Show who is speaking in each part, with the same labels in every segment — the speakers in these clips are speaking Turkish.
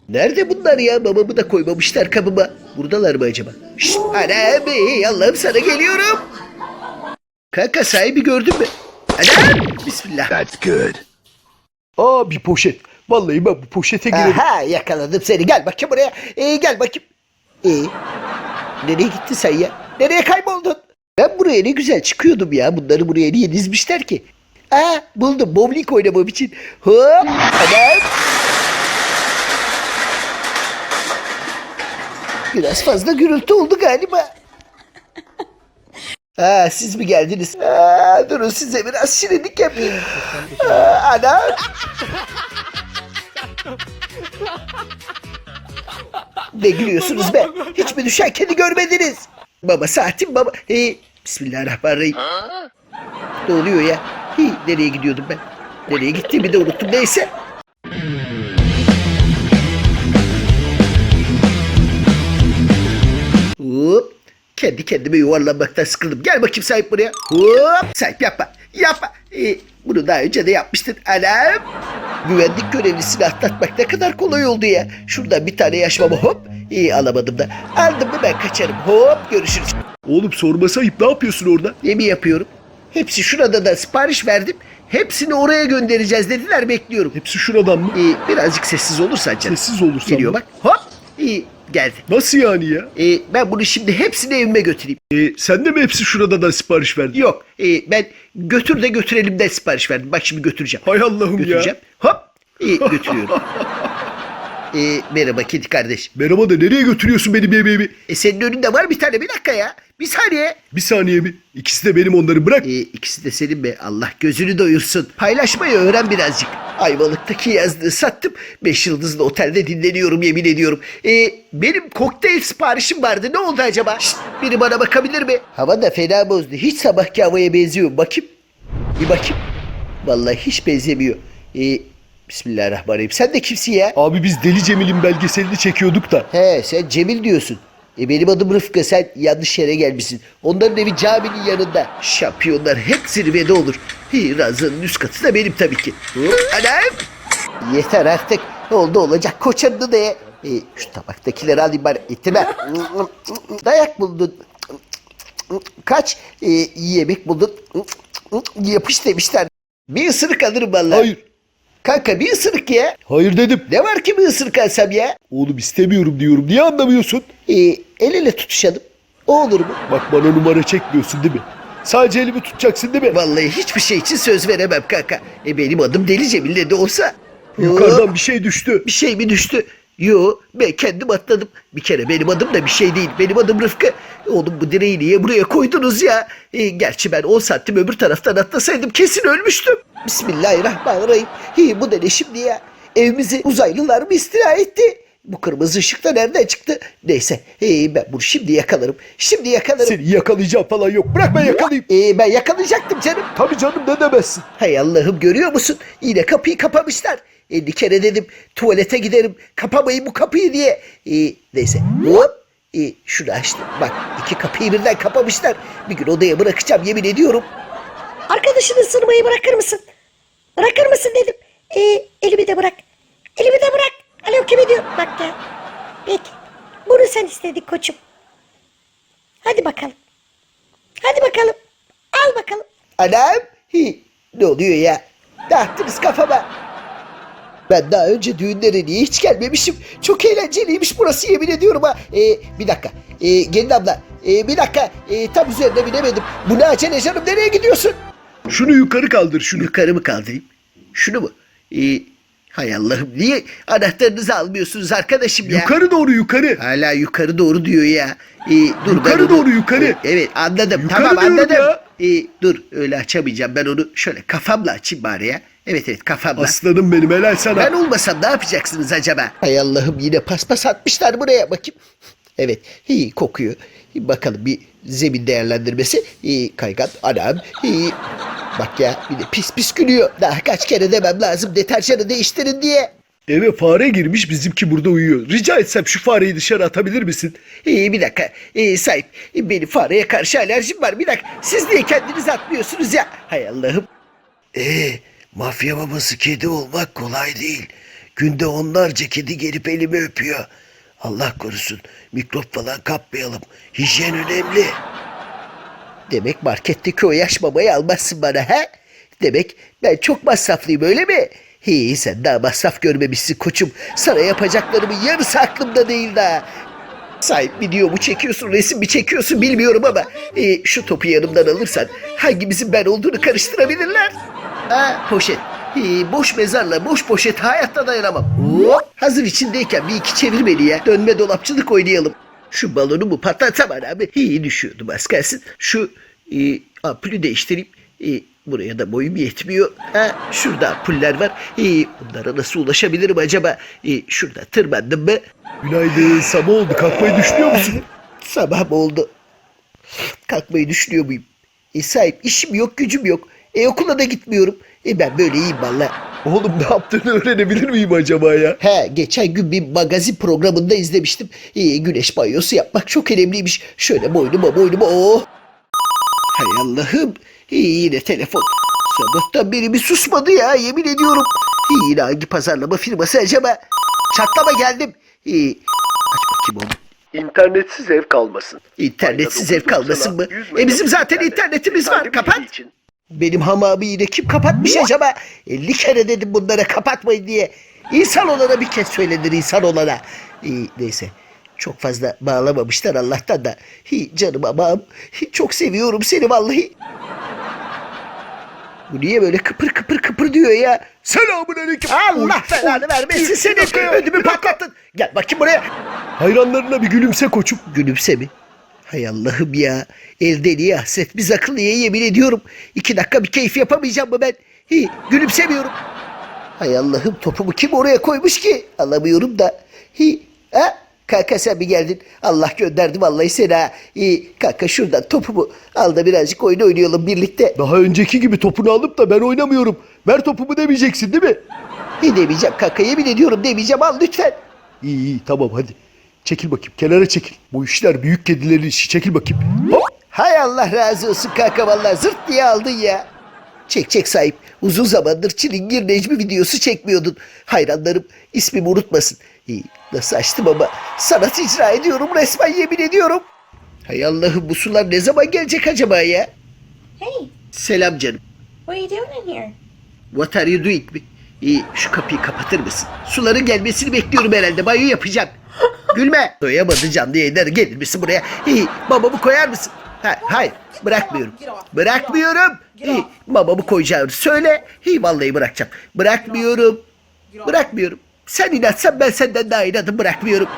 Speaker 1: Nerede bunlar ya? Babamı da koymamışlar kabıma. Buradalar mı acaba? Şşt anam, Allah'ım sana geliyorum. Kanka sahibi gördün mü? Anam bismillah.
Speaker 2: That's good.
Speaker 3: Aa, bir poşet. Vallahi ben bu poşete girerim.
Speaker 1: Aha yakaladım seni. Gel bakayım buraya. Gel bakayım. Nereye gittin sen ya? Nereye kayboldun? Ben buraya ne güzel çıkıyordum ya. Bunları buraya niye dizmişler ki? Buldum. Bowling oynamam için. Hop. Anam. Biraz fazla gürültü oldu galiba. Siz mi geldiniz? Durun size biraz şirinlik yapayım. Anam. Ne gülüyorsunuz be? Hiç mi düşen kedi görmediniz? Baba saatim baba. Bismillahirrahmanirrahim. Ne oluyor ya? Nereye gidiyordum ben? Nereye gittiğimi de unuttum neyse. Hop. Kendi kendime yuvarlanmaktan sıkıldım. Gel bakayım sahip buraya. Hop. Sahip yapma. Yapma. Bunu daha önce de yapmıştın. Anam. Güvenlik görevlisini atlatmak ne kadar kolay oldu ya. Şuradan bir tane yaş baba hop. Alamadım da. Aldım mı ben kaçarım. Hop görüşürüz.
Speaker 3: Oğlum sorması ayıp. Ne yapıyorsun orada?
Speaker 1: Ne mi yapıyorum? Hepsi şurada da sipariş verdim. Hepsini oraya göndereceğiz dediler, bekliyorum.
Speaker 3: Hepsi şuradan mı?
Speaker 1: Birazcık sessiz olursan canım.
Speaker 3: Sessiz olursan
Speaker 1: Geliyor
Speaker 3: mı?
Speaker 1: bak. Hop. Geldi.
Speaker 3: Nasıl yani ya?
Speaker 1: Ben bunu şimdi hepsini evime götüreyim.
Speaker 3: Sen de mi hepsi şuradadan sipariş verdin?
Speaker 1: Yok. Ben götür de götürelim de sipariş verdim. Bak şimdi götüreceğim.
Speaker 3: Hay Allah'ım
Speaker 1: Götüreceğim.
Speaker 3: ya.
Speaker 1: Hop. Götürüyorum. Merhaba kedi kardeş.
Speaker 3: Merhaba da nereye götürüyorsun benim yemeğimi?
Speaker 1: Senin önünde var bir tane, bir dakika ya. Bir saniye.
Speaker 3: Bir saniye mi? İkisi de benim, onları bırak.
Speaker 1: İkisi de senin be. Allah gözünü doyursun. Paylaşmayı öğren birazcık. Ayvalık'taki yazlığı sattım. 5 yıldızlı otelde dinleniyorum yemin ediyorum. Benim kokteyl siparişim vardı. Ne oldu acaba? Şşt, biri bana bakabilir mi? Hava da fena bozdu. Hiç sabahki havaya benziyor. Bakayım. Bir bakayım. Vallahi hiç benzemiyor. Bismillahirrahmanirrahim. Sen de kimsin ya?
Speaker 3: Abi biz Deli Cemil'in belgeselini çekiyorduk da.
Speaker 1: He, sen Cemil diyorsun. Benim adım Rıfkı, sen yanlış yere gelmişsin. Onların evi caminin yanında. Şampiyonlar hep zirvede olur. Ranzanın üst katı da benim tabii ki. Anam! Yeter artık. Oldu olacak koçanını da ye. Şu tabaktakileri alayım bari. İttirme. Dayak buldun. Kaç yemek buldun. Yapış demişler. Bir ısırık alırım vallahi.
Speaker 3: Hayır.
Speaker 1: Kanka bir ısırık ya.
Speaker 3: Hayır dedim.
Speaker 1: Ne var ki bir ısırık alsam ya?
Speaker 3: Oğlum istemiyorum diyorum. Niye anlamıyorsun?
Speaker 1: El ele tutuşalım. O olur mu?
Speaker 3: Bak bana numara çekmiyorsun değil mi? Sadece elimi tutacaksın değil mi?
Speaker 1: Vallahi hiçbir şey için söz veremem kanka. Benim adım Deli Cemil ne de olsa.
Speaker 3: Yukarıdan bir şey düştü.
Speaker 1: Bir şey mi düştü? Yo, ben kendim atladım. Bir kere benim adım da bir şey değil. Benim adım Rıfkı. Oğlum bu direği niye buraya koydunuz ya? Gerçi ben 10 santim öbür taraftan atlasaydım kesin ölmüştüm. Bismillahirrahmanirrahim. Bu ne şimdi ya? Evimizi uzaylılar mı istila etti? Bu kırmızı ışık da nereden çıktı? Neyse ben bunu şimdi yakalarım. Şimdi yakalarım.
Speaker 3: Seni yakalayacağım falan yok. Bırak ben yakalayayım.
Speaker 1: Ben yakalayacaktım canım.
Speaker 3: Tabii canım, ne demezsin.
Speaker 1: Hay Allah'ım, görüyor musun? Yine kapıyı kapamışlar. 50 kere dedim tuvalete giderim, kapamayın bu kapıyı diye. Neyse hop. Şunu açtım. Bak 2 kapıyı birden kapamışlar. Bir gün odaya bırakacağım yemin ediyorum.
Speaker 4: Arkadaşını ısırmayı bırakır mısın? Bırakır mısın dedim. Elimi de bırak. Elimi de bırak. Alo, kim diyor? Bak ya. Peki. Bunu sen istedin koçum. Hadi bakalım. Hadi bakalım. Al bakalım.
Speaker 1: Anam. Ne oluyor ya? Dağıttınız kafama. Ben daha önce düğünlere niye hiç gelmemişim? Çok eğlenceliymiş burası yemin ediyorum ha. Bir dakika. Gelin abla. Bir dakika. Tam üzerine binemedim. Bu ne acele canım, nereye gidiyorsun?
Speaker 3: Şunu yukarı kaldır, şunu.
Speaker 1: Yukarı mı kaldırayım? Şunu mu? Hay Allah'ım, niye anahtarınızı almıyorsunuz arkadaşım ya?
Speaker 3: Yukarı doğru, yukarı.
Speaker 1: Hala yukarı doğru diyor ya. Dur
Speaker 3: Yukarı
Speaker 1: ben onu...
Speaker 3: doğru, yukarı.
Speaker 1: Evet anladım.
Speaker 3: Yukarı
Speaker 1: tamam
Speaker 3: diyorum
Speaker 1: anladım.
Speaker 3: ya.
Speaker 1: Dur öyle açamayacağım. Ben onu şöyle kafamla açayım bari ya. Evet kafamla.
Speaker 3: Aslanım benim, helal sana.
Speaker 1: Ben olmasam ne yapacaksınız acaba? Hay Allah'ım, yine paspas atmışlar buraya, bakayım. Evet kokuyor. Bakalım bir zemin değerlendirmesi. Kaygan anam. Bak ya, bir de pis pis gülüyor. Daha kaç kere demem lazım deterjanı değiştirin diye.
Speaker 3: Eve fare girmiş, bizimki burada uyuyor. Rica etsem şu fareyi dışarı atabilir misin?
Speaker 1: Bir dakika. Sahip, benim fareye karşı alerjim var. Bir dakika. Siz niye kendiniz atmıyorsunuz ya? Hay Allah'ım.
Speaker 2: Mafya babası kedi olmak kolay değil.
Speaker 1: Günde onlarca kedi gelip elimi öpüyor. Allah korusun mikrop falan kapmayalım. Hijyen önemli. Demek marketteki o yaş mamayı almazsın bana ha? Demek ben çok masraflıyım öyle mi? Sen daha masraf görmemişsin koçum. Sana yapacaklarımın yarısı aklımda değil daha. Sahip video mu çekiyorsun, resim mi çekiyorsun bilmiyorum ama şu topu yanımdan alırsan hangimizin ben olduğunu karıştırabilirler. Poşet. Boş mezarla boş poşet hayatta dayanamam. Hop, hazır içindeyken bir iki çevir beni ya. Dönme dolapçılık oynayalım. Şu balonu mu patlatsam abi? Düşüyordum az kalsın. Şu ampulü değiştireyim. Buraya da boyum yetmiyor. Şurada ampuller var. Bunlara nasıl ulaşabilirim acaba? Şurada tırmandım mı?
Speaker 3: Günaydın, sabah oldu. Kalkmayı düşünüyor musun?
Speaker 1: Sabah mı oldu? Kalkmayı düşünüyor muyum? Sahip işim yok gücüm yok. Okula da gitmiyorum. Ben böyle iyiyim valla.
Speaker 3: Oğlum ne yaptığını öğrenebilir miyim acaba ya?
Speaker 1: Geçen gün bir magazin programında izlemiştim. Güneş banyosu yapmak çok önemliymiş. Şöyle boynuma oh. Hay Allah'ım. Yine telefon. Sabahtan beri bir susmadı ya yemin ediyorum. Yine hangi pazarlama firması acaba? Çatlama geldim. Aç bakayım onu.
Speaker 3: İnternetsiz ev kalmasın.
Speaker 1: İnternetsiz ev kalmasın mı? Bizim zaten internetimiz var. Kapat. Benim hamamı yine kim kapatmış acaba? 50 kere dedim bunlara kapatmayın diye. İnsan olana bir kez söylenir insan olana. Neyse. Çok fazla bağlamamışlar Allah'tan da. Canım amam. Çok seviyorum seni vallahi. Bu niye böyle kıpır kıpır kıpır diyor ya?
Speaker 3: Selamünaleyküm.
Speaker 1: Allah belanı vermesin seni. Ödümü patlattın. Gel bakayım buraya.
Speaker 3: Hayranlarına bir gülümse koçum.
Speaker 1: Gülümse mi? Hay Allah'ım ya. El deliye hasret biz akıllıya yemin ediyorum. 2 dakika bir keyif yapamayacağım mı ben? Gülümsemiyorum. Hay Allah'ım topumu kim oraya koymuş ki? Alamıyorum da. Kanka sen mi geldin? Allah gönderdi vallahi seni ha. Kanka şuradan topumu al da birazcık oyun oynayalım birlikte.
Speaker 3: Daha önceki gibi topunu alıp da ben oynamıyorum. Ver topumu demeyeceksin değil mi?
Speaker 1: Demeyeceğim kanka yemin ediyorum demeyeceğim al lütfen.
Speaker 3: İyi tamam hadi. Çekil bakayım kenara çekil. Bu işler büyük kedilerin işi çekil bakayım. Hop.
Speaker 1: Hay Allah razı olsun kanka vallahi zırt diye aldın ya. Çek sahip. Uzun zamandır Çilingir Necmi videosu çekmiyordun. Hayranlarım ismimi unutmasın. Nasıl açtım ama sanat icra ediyorum resmen yemin ediyorum. Hay Allah'ım bu sular ne zaman gelecek acaba ya?
Speaker 4: Hey,
Speaker 1: Selam canım.
Speaker 4: what are you doing in here?
Speaker 1: What are you doing mi? Şu kapıyı kapatır mısın? Suların gelmesini bekliyorum herhalde. Banyo yapacağım. Gülme. Doyamadı canlı yayınları. Gelir misin buraya? Babamı koyar mısın? Hayır. Bırakmıyorum. Bırakmıyorum. Babamı koyacağını söyle. Vallahi bırakacağım. Bırakmıyorum. Bırakmıyorum. Sen inatsan ben senden daha inadım bırakmıyorum.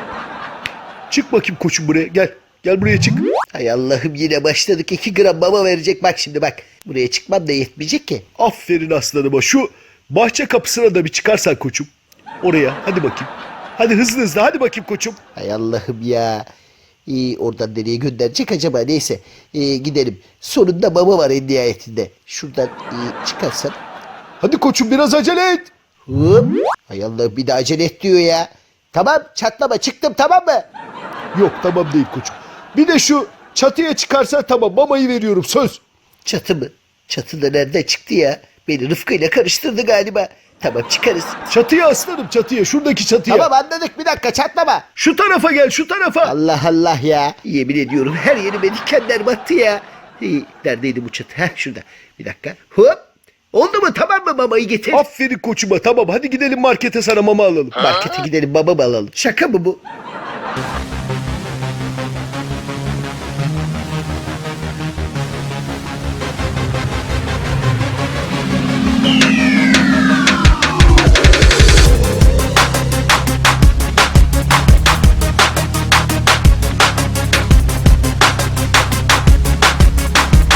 Speaker 3: Çık bakayım koçum buraya gel. Gel buraya çık.
Speaker 1: Hay Allah'ım yine başladık. 2 gram mama verecek. Bak şimdi bak. Buraya çıkmam da yetmeyecek ki.
Speaker 3: Aferin aslanıma. Şu bahçe kapısına da bir çıkarsan koçum. Oraya hadi bakayım. Hadi hızlı hadi bakayım koçum.
Speaker 1: Hay Allah'ım ya. Oradan nereye gönderecek acaba? Neyse gidelim. Sonunda mama var en nihayetinde. Şuradan çıkarsan.
Speaker 3: Hadi koçum biraz acele et.
Speaker 1: Hop. Hay Allah bir de acele et diyor ya. Tamam çatlama çıktım tamam mı?
Speaker 3: Yok tamam değil koçum. Bir de şu çatıya çıkarsan tamam mamayı veriyorum söz.
Speaker 1: Çatı mı? Çatı da nereden çıktı ya? Beni Rıfkı ile karıştırdı galiba. Tamam çıkarız.
Speaker 3: Çatıya aslanım çatıya şuradaki çatıya.
Speaker 1: Tamam anladık bir dakika çatlama.
Speaker 3: Şu tarafa gel şu tarafa.
Speaker 1: Allah Allah ya. Yemin ediyorum her yerime dikenler battı ya. Neredeydi bu çatı? Şurada. Bir dakika. Hop. Oldu mu tamam mı mamayı getir.
Speaker 3: Aferin koçuma tamam hadi gidelim markete sana mama alalım.
Speaker 1: Markete gidelim babamı alalım. Şaka mı bu?